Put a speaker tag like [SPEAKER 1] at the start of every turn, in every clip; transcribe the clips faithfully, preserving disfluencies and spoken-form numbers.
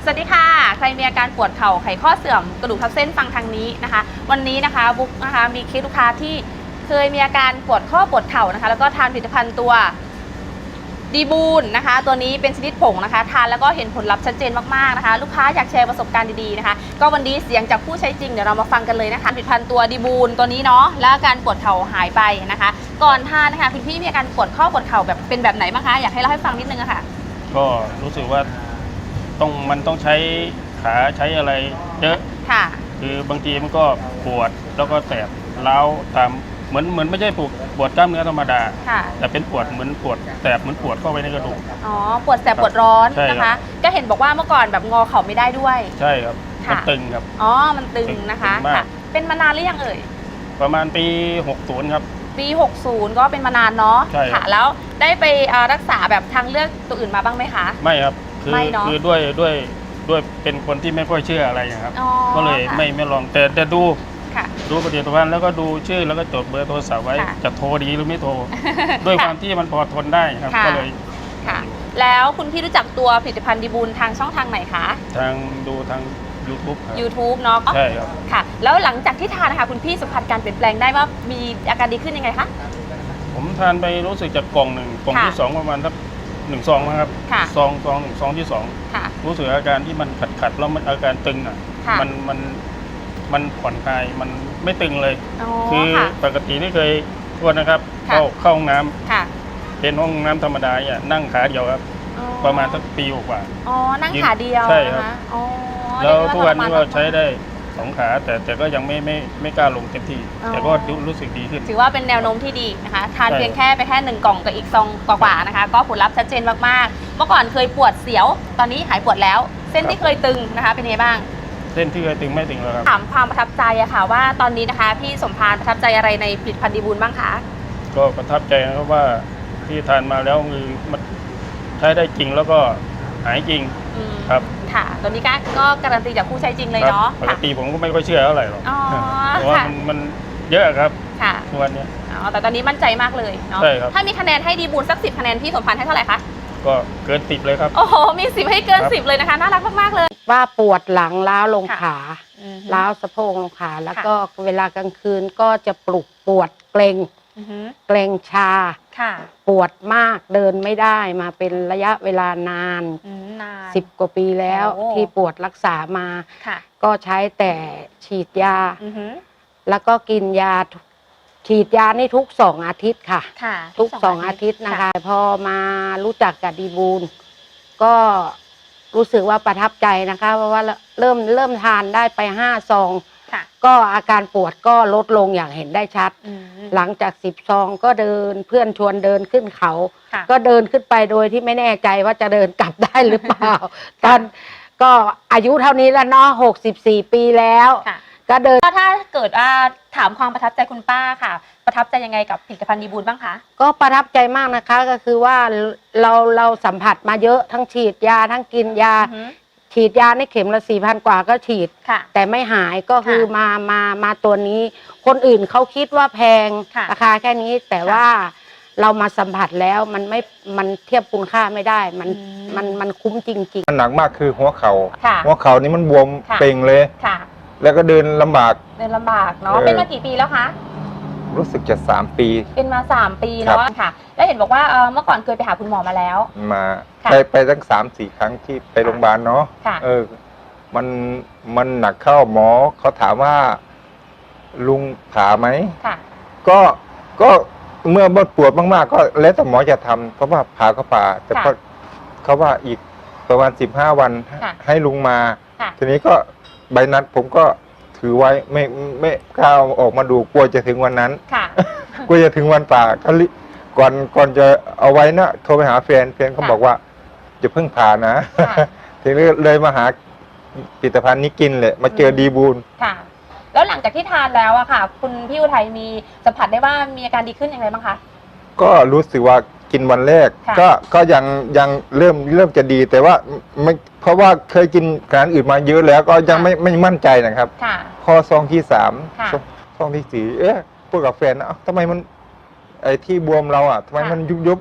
[SPEAKER 1] สวัสดีค่ะใครมีอาการปวดเข่าไขข้อเสื่อมกระดูกทับเส้นฟังทางนี้นะคะวันนี้นะคะบุ๊กนะคะมีเคสลูกค้าที่เคยมีอาการปวดข้อปวดเข่านะคะแล้วก็ทานผลิตภัณฑ์ตัวดีบูนนะคะตัวนี้เป็นชนิดผงนะคะทานแล้วก็เห็นผลลัพธ์ชัดเจนมากๆนะคะลูกค้าอยากแชร์ประสบการณ์ดีๆนะคะก็วันนี้เสียงจากผู้ใช้จริงเดี๋ยวเรามาฟังกันเลยนะคะผลิตภัณฑ์ตัวดีบูนตัวนี้เนาะแล้วอาการปวดเข่าหายไปนะคะก่อนทานนะคะคุณพี่มีอาการปวดข้อปวดเข่าแบบเป็นแบบไหนบ้างคะอยากให้เล่าให้ฟังนิดนึงอะค่ะ
[SPEAKER 2] ก็รู้สึกว่าต้องมันต้องใช้ขาใช้อะไรเยอะ
[SPEAKER 1] ค่ะ
[SPEAKER 2] คือบางทีมันก็ปวดแล้วก็แสบร้าวตามเหมือนเหมือนไม่ใช่ปวดปวดกล้ามเนื้อธรรมดาแต่เป็นปวดเหมือนปวดแสบเหมือนปวดเข้าไปในกระดูก
[SPEAKER 1] อ๋อปวดแสบปวดร้อนนะคะก็เห็นบอกว่าเมื่อก่อนแบบงอเข่าไม่ได้ด้วย
[SPEAKER 2] ใช่ครับมันตึงครับ
[SPEAKER 1] อ๋อมันตึงนะคะค่ะเป็นมานานหรือยังเอ่ย
[SPEAKER 2] ประมาณปีหกสิบครับ
[SPEAKER 1] ปีหกสิบก็เป็นมานานเนาะค่ะแล้วได้ไปรักษาแบบทางเลือกตัวอื่นมาบ้างไหมคะ
[SPEAKER 2] ไม่ครับคือคือด้วยด้วยด้วยเป็นคนที่ไม่ค่อยเชื่ออะไรครับก็เลยไม่ไม่ลองแต่แต่ดูดูผลิตภัณฑ์แล้วก็ดูชื่อแล้วก็จดเบอร์โทรศัพท์ไว้จะโทรดีหรือไม่โทรด้วยความที่มันพอทนได้ครับก็เลย
[SPEAKER 1] ค่ะแล้วคุณพี่รู้จักตัวผลิตภัณฑ์ดีบูนทางช่องทางไหนคะ
[SPEAKER 2] ทางดูทาง ยูทูบ ครับ
[SPEAKER 1] ยูทูบ เนาะ
[SPEAKER 2] ใช่ครับ
[SPEAKER 1] ค่ะแล้วหลังจากที่ทานนะคะคุณพี่สัมผัสการเปลี่ยนแปลงได้ว่ามีอาการดีขึ้นยังไงคะ
[SPEAKER 2] ผมทานไปรู้สึกจากกล่องหนึ่งกล่องที่สองประมาณสักหนึ่งซองนะครับซองซองหนึ่งซองที่สองรู้สึกอาการที่มันขัดขัดแล้วมันอาการตึงอ่ะมันมันมันผ่อนคลายมันไม่ตึงเลยคือปกติที่เคยทวนนะครับเข้าเข้าห้องน้ำเป็นห้องน้ำธรรมดาอ่ะนั่งขาเดียวครับประมาณสักปีกว่า
[SPEAKER 1] อ๋อนั่งขาเดียว
[SPEAKER 2] ใช่ครับแล้วทุกวันนี้ก็ใช้ได้สองขาแต่แต่ก็ยังไม่ไม่ไม่กล้าลงเต็มที่แต่ก็รู้สึกดีขึ้น
[SPEAKER 1] ถือว่าเป็นแนวโน้มที่ดีนะคะทานเพียงแค่ไปแค่หนึ่งกล่องกับอีกซองกว่าๆนะคะก็ผลลัพธ์ชัดเจนมากๆเมื่อก่อนเคยปวดเสียวตอนนี้หายปวดแล้วเส้นที่เคยตึงนะคะเป็นไงบ้าง
[SPEAKER 2] เส้นที่เคยตึงไม่ตึงแล้วครับ
[SPEAKER 1] ถามความประทับใจอะค่ะว่าตอนนี้นะคะพี่สมพานประทับใจอะไรในผลิตภัณฑ์ดีบูลบ้างคะ
[SPEAKER 2] ก็ประทับใจนะครับว่าที่ทานมาแล้วคือมันใช้ได้จริงแล้วก็หายจริงครับ
[SPEAKER 1] ค่ะตัวนี้ก็การันตีจากผู้ใช้จริงเลยเนาะ
[SPEAKER 2] ปกติผมก็ไม่ค่อยเชื่อเท่าไหร่หรอกเพราะว่ามันมันเยอะครับ
[SPEAKER 1] ค่ะ
[SPEAKER 2] ทุกวันนี้
[SPEAKER 1] อ๋อแต่ตอนนี้มั่นใจมากเลยเนาะถ้ามีคะแนนให้ดีบูลสักสิบคะแนนพี่สมพานให้เท่าไหร่คะ
[SPEAKER 2] ก็เกินสิบเลยครับ
[SPEAKER 1] โอ้โหมีสิบให้เกินสิบเลยนะคะน่ารักมากๆเลย
[SPEAKER 3] ว่าปวดหลังล้าวลงขาล้าวสะโพกลงขาแล้วก็เวลากลางคืนก็จะปลุกปวดเกร็งเกร็งชาปวดมากเดินไม่ได้มาเป็นระยะเวลานานสิบกว่าปีแล้วที่ปวดรักษามาก็ใช้แต่ฉีดยาแล้วก็กินยาฉีดยานี่ทุกสองอาทิตย์ค่ะทุกสองอาทิตย์นะคะพอมารู้จักกับดีบูลก็รู้สึกว่าประทับใจนะคะเพราะว่าเริ่มเริ่มทานได้ไปห้าซองก็อาการปวดก็ลดลงอย่างเห็นได้ชัดหลังจากสิบซองก็เดินเพื่อนชวนเดินขึ้นเขาก็เดินขึ้นไปโดยที่ไม่แน่ใจว่าจะเดินกลับได้หรือเปล่าตอนก็อายุเท่านี้แล้วเนาะหกสิบสี่ปีแล้วก็เดิน
[SPEAKER 1] ถ้าเกิดว่าถามความประทับใจคุณป้าค่ะประทับใจยังไงกับผลิตภัณฑ์ดีบูลบ้างคะ
[SPEAKER 3] ก็ประทับใจมากนะคะก็คือว่าเราเราสัมผัสมาเยอะทั้งฉีดยาทั้งกินยาฉีดยาในเข็มละสี่พันกว่าก็ฉีดแต่ไม่หายก็คือมามามาตัวนี้คนอื่นเขาคิดว่าแพงราคาแค่นี้แต่ว่าเรามาสัมผัสแล้วมันไม่มันเทียบคุณค่าไม่ได้มันมันมันคุ้มจริง
[SPEAKER 4] ๆมันหนักมากคือหัวเขา่าหัวเข่านี่มันบวมเป่งเลยแล้วก็เดินลำบาก
[SPEAKER 1] เดินลำบากเนาะเป็นมากี่ปีแล้วคะ
[SPEAKER 4] รู้สึกจะสามปี
[SPEAKER 1] เป็นมาสามปีเนาะค่ะแล้วเห็นบอกว่าเมื่อก่อนเคยไปหาคุณหมอมาแล้ว
[SPEAKER 4] มาไปไปตั้งสามสี่ครั้งที่ไปโรงพยาบาลเนาะเออมันมันหนักเข้าหมอเขาถามว่าลุงผ่าไหมก็ก็เมื่อปวดมากๆก็แล้วแต่หมอจะทำเพราะว่าผ่าก็ผ่าแต่ก็เขาว่าอีกประมาณสิบห้าวันให้ลุงมาทีนี้ก็ใบนัดผมก็ถือไว้ไม่ไม่กล้าออกมาดูกลัวจะถึงวันนั้นกลัวจะถึงวันป่าก็ก่อนก่อนจะเอาไว้นะโทรไปหาแฟนแฟนเขาบอกว่าจะเพิ่งผ่านะทีนี้เลยมาหาผลิตภัณฑ์นี้กินเลยมาเจอดีบูล
[SPEAKER 1] ค่ะแล้วหลังจากที่ทานแล้วอะค่ะคุณพี่อุทัยมีสัมผัสได้ว่ามีอาการดีขึ้นอย่างไรบ้างคะ
[SPEAKER 4] ก็รู้สึกว่ากินวันแรกก็ก็ยังยังเริ่มเริ่มจะดีแต่ว่าไม่เพราะว่าเคยกินอาหารอื่นมาเยอะแล้วก็ยังไม่ไม่มั่นใจนะครับพอซองที่สามซองที่สี่เอ๊ะพูดกับแฟนนะทำไมมันไอ้ที่บวมเราอ่ะทำไมมันยุบยุบ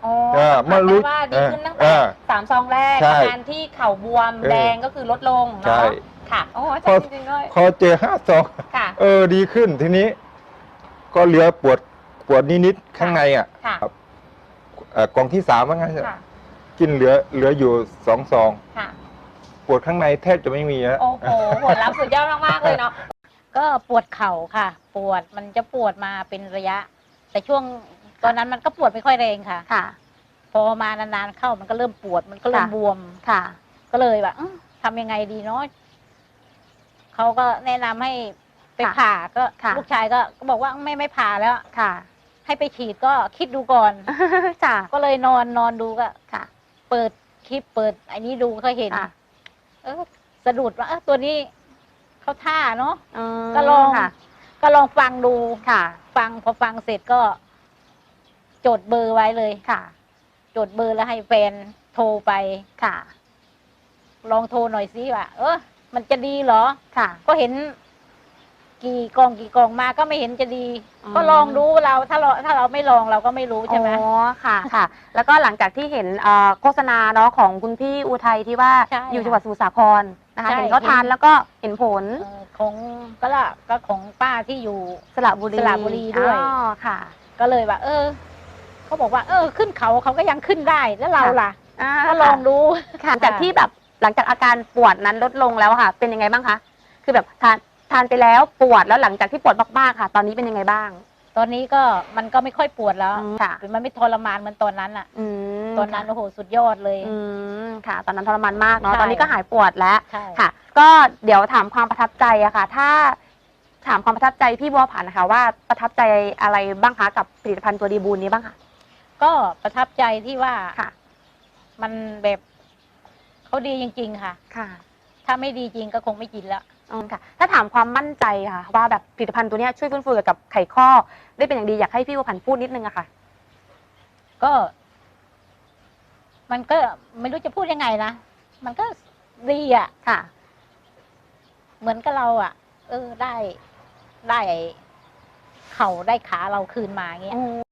[SPEAKER 1] อ๋อ
[SPEAKER 4] เออ
[SPEAKER 1] สัม
[SPEAKER 4] เมื่
[SPEAKER 1] ผัส
[SPEAKER 4] อรู้
[SPEAKER 1] ได้ว่าดีขึ้นตั้ง
[SPEAKER 4] เอ
[SPEAKER 1] แต่
[SPEAKER 4] อ
[SPEAKER 1] สามซองแรก
[SPEAKER 4] ใช่
[SPEAKER 1] อาการที่เข่าบวม
[SPEAKER 4] เออ
[SPEAKER 1] แดงก็คือลดลง
[SPEAKER 4] ใช่
[SPEAKER 1] เนาะค่ะโอ้อา
[SPEAKER 4] พ
[SPEAKER 1] จา
[SPEAKER 4] อ
[SPEAKER 1] รย์จริงๆด้วย
[SPEAKER 4] พอเจอห้าซอง
[SPEAKER 1] ค่ะ
[SPEAKER 4] เออดีขึ้นทีนี้ ก็เหลือปวดปวดนิดๆข้างในอ่ะ
[SPEAKER 1] ค่ะ
[SPEAKER 4] ครับเอ่อกล่องที่สามว่างั้นเถอะ
[SPEAKER 1] ค่ะ
[SPEAKER 4] กินเหลือเหลืออยู่สองซอง
[SPEAKER 1] ค่ะ
[SPEAKER 4] ปวดข้างในแทบจะไม่มีแล้ว
[SPEAKER 1] โอ้โหผลลัพธ์สุดยอดมากๆเลยเนาะ
[SPEAKER 5] ก็ปวดเข่าค่ะ ปวดมันจะปวดมาเป็นระยะ แต่ช่วงตอนนั้นมันก็ปวดไม่ค่อยแรงค่ะ
[SPEAKER 1] ค่ะ
[SPEAKER 5] พอมานานๆเข้ามันก็เริ่มปวดมันก็เริ่ม
[SPEAKER 1] ค่ะ
[SPEAKER 5] บวม
[SPEAKER 1] ค่ะ
[SPEAKER 5] ก็เลยแบบอื้อทำยังไงดีเนาะเขาก็แนะนำให้ไป
[SPEAKER 1] ค่ะ
[SPEAKER 5] ผ่าก็
[SPEAKER 1] ค่ะ
[SPEAKER 5] ลูกชายก็ก็บอกว่าไม่ไม่ผ่าแล้ว
[SPEAKER 1] ค่ะ
[SPEAKER 5] ให้ไปฉีดก็คิดดูก่อน
[SPEAKER 1] จ้ะ
[SPEAKER 5] ก็เลยนอนนอนดูก็
[SPEAKER 1] ค่ะ
[SPEAKER 5] เปิดคลิปเปิดไอ้นี้ดูก็เห็น
[SPEAKER 1] ค่ะ
[SPEAKER 5] เออสะดุดว่าเออตัวนี้เขาท่าเนาะ
[SPEAKER 1] อืม
[SPEAKER 5] ก็ลอง
[SPEAKER 1] ค่ะ
[SPEAKER 5] ก็ลองฟังดู
[SPEAKER 1] ค่ะ
[SPEAKER 5] ฟังพอฟังเสร็จก็ จดเบอร์ไว้เลย
[SPEAKER 1] ค่ะ
[SPEAKER 5] จดเบอร์แล้วให้แฟนโทรไป
[SPEAKER 1] ค่ะ
[SPEAKER 5] ลองโทรหน่อยสิว่าเออมันจะดีเหรอ
[SPEAKER 1] ค่ะ
[SPEAKER 5] ก็เห็น กี่กองกี่กองมาก็ไม่เห็นจะดี
[SPEAKER 1] อืม
[SPEAKER 5] ก็ลองดูเราถ้าเราถ้าเราไม่ลองเราก็ไม่รู้ใช่ไหม
[SPEAKER 1] อ๋อค่ะ ค่ะ แล้วก็หลังจากที่เห็นเอ่อโฆษณาเนาะของคุณพี่อุทัยที่ว่า
[SPEAKER 5] ใช่
[SPEAKER 1] อยู่จังหวัดสมุทรสาครนะคะ
[SPEAKER 5] ใช่
[SPEAKER 1] เห็นเขาทานแล้วก็เห็นผล
[SPEAKER 5] เออของก็ละก็ของป้าที่อยู่
[SPEAKER 1] สระบุรี
[SPEAKER 5] สระบุรีด้วย
[SPEAKER 1] อ๋อค่ะ
[SPEAKER 5] ก็เลยว่า เออเขาบอกว่า เออ ขึ้นเขาเขาก็ยังขึ้นได้แล้วเราล่ะ
[SPEAKER 1] อ่า
[SPEAKER 5] ก็ลองดู
[SPEAKER 1] ค่ะจากที่แบบหลังจากอาการปวดนั้นลดลงแล้วค่ะ เป็นยังไงบ้างคะ คือแบบทานทานไปแล้วปวดแล้วหลังจากที่ปวดมากๆค่ะ ตอนนี้เป็นยังไงบ้าง
[SPEAKER 5] ตอนนี้ก็มันก็ไม่ค่อยปวดแล้ว
[SPEAKER 1] ค่ะ
[SPEAKER 5] มันไม่ทรมานเหมือนตอนนั้นอ่ะ
[SPEAKER 1] อืม
[SPEAKER 5] ตอนนั้นโอ้โหสุดยอดเลย
[SPEAKER 1] อืมค่ะ ตอนนั้นทรมานมากเนาะ
[SPEAKER 5] ใช่
[SPEAKER 1] ตอนนี้ก็หายปวดแล้ว
[SPEAKER 5] ใช่
[SPEAKER 1] ค่ะ ก็เดี๋ยวถามความประทับใจอะค่ะ ถ้าถามความประทับใจพี่บัวผันนะคะว่าประทับใจอะไรบ้างคะกับผลิตภัณฑ์ตัวดีบูนนี้บ้างคะ
[SPEAKER 5] ก็ประทับใจที่ว่า
[SPEAKER 1] ค่ะ
[SPEAKER 5] มันแบบเขาดีจริง ๆ ค่ะ
[SPEAKER 1] ค่ะ
[SPEAKER 5] ถ้าไม่ดีจริงก็คงไม่กินแล้ว
[SPEAKER 1] อืมค่ะ ถ้าถามความมั่นใจค่ะ ว่าแบบผลิตภัณฑ์ตัวเนี้ยช่วยฟื้นฟูเกี่ยวกับไขข้อได้เป็นอย่างดีอยากให้พี่บัวผันพูดนิดนึงอะค่ะ
[SPEAKER 5] ก็ มันก็ไม่รู้จะพูดยังไงนะมันก็ดีอ่ะ
[SPEAKER 1] ค่ะ
[SPEAKER 5] เหมือนกับเราอ่ะ เออได้ได้เข่าได้ขาเราคืนมาอย่างเงี้ย